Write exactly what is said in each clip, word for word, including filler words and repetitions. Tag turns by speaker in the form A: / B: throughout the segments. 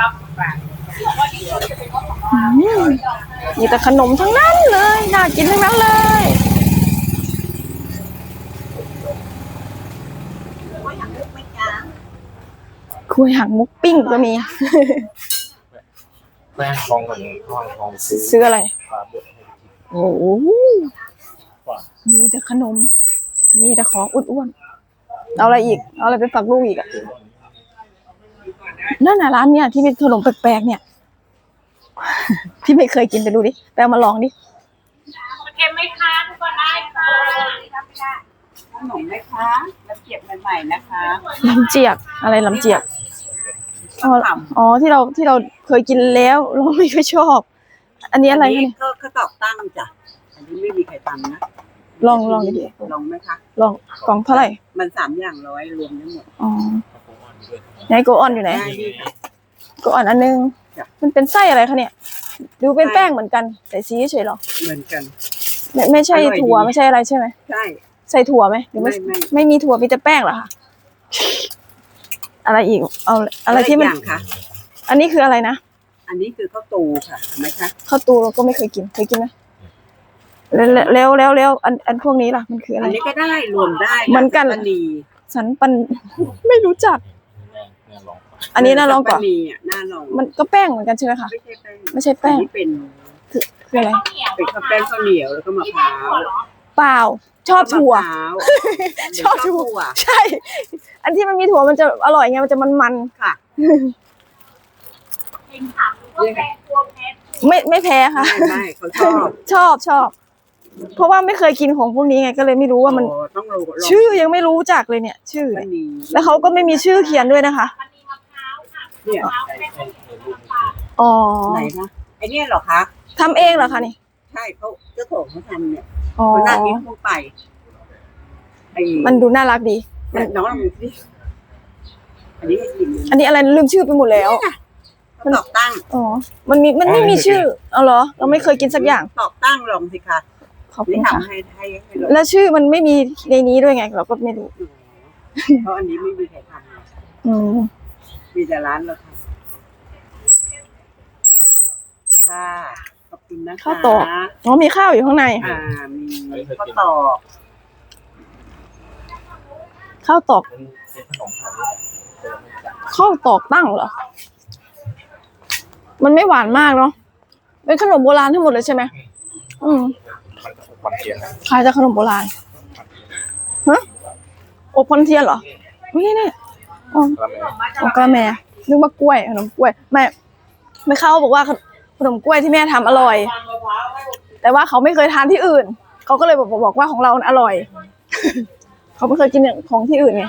A: มีแต่ขนมทั้งนั้นเลยน่ากินทั้งนั้นเลยคุยหางมุกปิ้งก็มี
B: แป้งทองกับทองทอง
A: ซื้ออะไรโอ้โหมีแต่ขนมมีแต่ของอ้วนๆเอาอะไรอีกเอาอะไรไปฝากลูกอีกอ่ะนั่นน่ะร้านเนี่ยที่มีขนมแปลกๆเนี่ยที่ไม่เคยกินไปดูดิไปเอามาลองดิ
C: เค็มไหมคะทุกคนได้ค่ะ
D: ขนมไหมคะลำเจียกใหม่ๆนะคะ
A: ลำเจียกอะไรลำเจียกอ๋ออ๋อที่เราที่เราเคยกินแล้วเราไม่ค่อยชอบอันนี้อะไรเนี่ย
D: ก็ก็ตอกตั้งจ้ะอันนี้ไม่มีใครทำนะ
A: ลองลองดิ
D: ลองไหมคะ
A: ลองกล่องเท่าไหร่
D: มันสามอย่างร้อยรวมทั้งหมด
A: อ๋อไหนโกออนอยู่ไหนโกออนอันนึงมันเป็นไส้อะไรคะเนี่ยดูเป็นแป้งเหมือนกันแต่สีเฉยหรอ
D: เหมือนกัน
A: ไม่ไม่ใช่ถั่วไม่ใช่อะไรใช่ไหม
D: ใช่
A: ใส่ถั่วไหมหรือไม่ไม่มีถั่วมีแต่แป้งเหรอคะอะไรอีกเอาอะไรที่มันอันนี้คืออะไรนะ
D: อันนี้คือข้าวตูค่ะไหมคะ
A: ข้าวตูเราก็ไม่เคยกินเคยกินไหมแล้วแล้วแล้วแล้วอันอันพวกนี้ล่ะมันคืออะไร
D: อันนี้ก็ได้รวมได้
A: เหมือนกันสันปันไม่รู้จักอันนี้น่าลองกว่ามันก็แป้งเหมือนกันใช่ไหมคะไม่ใช่แป้ง
D: ไม่ใช่แป้งเป็น
A: คือคืออะไร
D: เป็นข้าวแป้งข้าวเหนียวแล้วก็มะพร้าว
A: เปล่าชอบถั่วชอบถั่วใช่อันที่มันมีถั่วมันจะอร่อยไงมันจะมันๆ
D: ค่ะ
A: ไม่ไม่แพ้ค่ะ
D: ไม่เขาชอบ
A: ชอบชอบเพราะว่าไม่เคยกินของพวกนี้ไงก็เลยไม่รู้ว่ามันชื่อยังไม่รู้จักเลยเนี่ยชื่อแล้วเขาก็ไม่มีชื่อเขียนด้วยนะคะ
D: เนี่ย
A: อ๋อ
D: ไหนคะไอเนี่ยเหรอคะ
A: ทำเองเหรอคะนี่
D: ใช่เขาเจ้าของเขาทำเนี่ยคนน่ากินทั่วไป
A: มันดูน่ารักดี
D: น้องลองดูสิอันนี้ให้กิน
A: อันนี้อะไรลืมชื่อไปหมดแล้ว
D: มันตอกตั้ง
A: อ๋อมันมีมันไม่มีชื่อเอาเหรอเราไม่เคยกินสักอย่าง
D: ตอกตั้งลองสิคะ
A: ขอบคุณค่ะ
D: ให้ให้
A: แล้วชื่อมันไม่มีในนี้ด้วยไงเราก็ไม่รู้
D: เพราะอันนี้ไม่มีใครทำ
A: อืม
D: มีแต่ร้านเราทำค่ะขอบคุณนะคะ
A: ข้าวตอกอ๋อมีข้าวอยู่ข้างใน
D: อ่ามีข้าวตอก
A: ข้าวตอกข้าวตอกตั้งเหรอมันไม่หวานมากเนาะเป็นขนมโบราณทั้งหมดเลยใช่ไหมอืมขายจากขนมโบราณฮะอบคอนเทียนเหรอนี่นี่อ๋อกระแมนึกว่ากล้วยขนมกล้วยแม่ไม่เข้าบอกว่าขนมกล้วยที่แม่ทำอร่อยแต่ว่าเขาไม่เคยทานที่อื่นเขาก็เลยบอกบอกว่าของเราอร่อยเขาไม่เคยกินของที่อื่นไง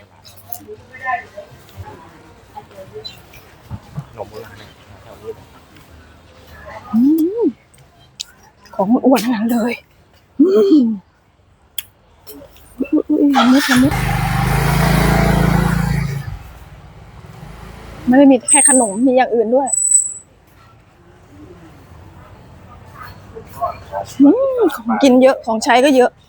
A: ของอ้วนทั้งนั้นเลยไม่ทำไม่ไม่ได้มีแค่ขนมมีอย่างอื่นด้วยของกินเยอะของใช้ก็เยอะ